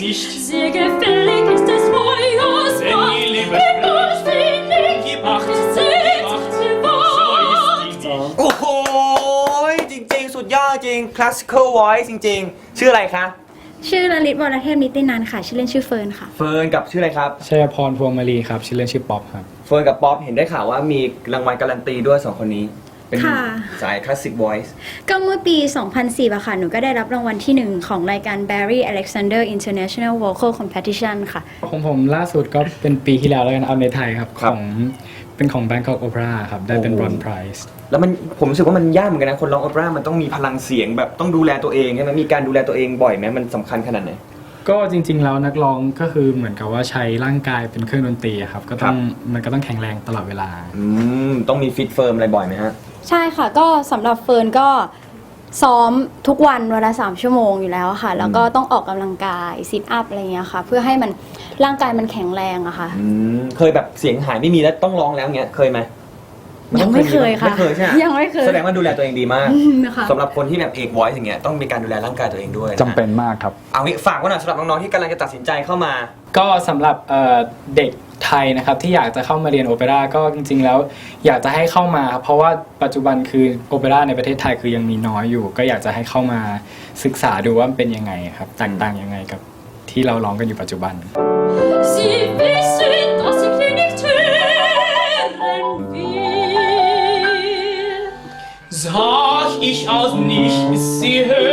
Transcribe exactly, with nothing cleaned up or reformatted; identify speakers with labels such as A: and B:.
A: nicht.
B: Sehr gefällig ist es Feuers
A: Wenn die Liebe
B: Macht.
A: gib acht,
B: Seht,
A: gib acht,
B: die
A: so
B: Wahrheit.
A: ist die Nicht.
C: โอ้โหจริงๆ สุดยอดจริง classical voice จริงๆ ชื่ออะไรคะ
D: ชื่อลลิตวรเทพนิตินันท์ค่ะ ชื่อเล่นชื่อเฟิร์นค่ะ
C: เฟิร์นกับชื่ออะไรครับ
E: ชัยพรพวงมาลีครับชื่อเล่นชื่อป๊อปครับ
C: เฟิร์นกับป๊อปเห็นได้ข่าวว่ามีรางวัลการันตีด้วยสองคนนี้ เป็น
D: ค่ะ
C: สาย classic voice
D: ก็เมื่อปี สองพันสี่อะค่ะ หนูก็ได้รับรางวัลที่หนึ่งของรายการ Barry Alexander International Vocal Competition ค่ะ
E: ของผมล่าสุดก็เป็นปีที่แล้วแล้วกันเอาในไทยครับ
C: ครั
E: ข
C: บ
E: องเป็นของ Bangkok Opera ครับ ได้เป็น
C: โอ้
E: Bronze Prize
C: แล้วมันผมรู้สึกว่ามันยากเหมือนกันนะ คนร้องโอเปร่ามันต้องมีพลังเสียงแบบต้องดูแลตัวเองใช่ไหมมีการดูแลตัวเองบ่อยไหมมันสำคัญขนาดไหน
E: ก็จริงๆแล้วนักร้องก็คือเหมือนกับว่าใช้ร่างกายเป็นเครื่องดนตรีอะครับ ก็ต้องมันก็ต้องแข็งแรงตลอดเวลา
C: อืมต้องมีฟิตเฟิร์มอะไรบ่อยไหมฮะ
D: ใช่ค่ะ ก็สำหรับเฟิร์นก็ซ้อมทุกวันวันละสามชั่วโมงอยู่แล้วค่ะ แล้วก็ต้องออกกำลังกายซิทอัพอะไรเงี้ยค่ะ เพื่อให้มันร่างกายมันแข็งแรงอะค่ะ
C: อืมเคยแบบเสียงหายไม่มีแล้วต้องร้องแล้วเงี้ยเคยไหม
D: ยังไม่เคยค่ะ
C: ไม่เคยใช่ไหม
D: ยังไม่เคย
C: แสดงว่าดูแลตัวเองดีมาก
D: อืมค่ะ
C: สำหรับคนที่แบบเอก voice อย่างเงี้ยต้องมีการดูแลร่างกายตัวเองด้วยะ
E: จำเป็นมากครับ
C: เอางี้ฝากไว้หน่อยสำหรับน้องๆที่กำลังจะตัดสินใจเข้ามา
E: ก็สำหรับเอ่อเด็กไทยนะครับที่อยากจะเข้ามาเรียนโอเปร่าก็จริงๆแล้วอยากจะให้เข้ามาครับเพราะว่าปัจจุบันคือโอเปร่าในประเทศไทยคือยังมีน้อยอยู่ ก็อยากจะให้เข้ามาศึกษาดูว่ามันเป็นยังไงครับแตกต่างยังไงกับที่เราร้องกันอยู่ปัจจุบัน
B: Sie wissen, dass ich hier nicht hören will.
A: Sag ich aus nichts, sie hört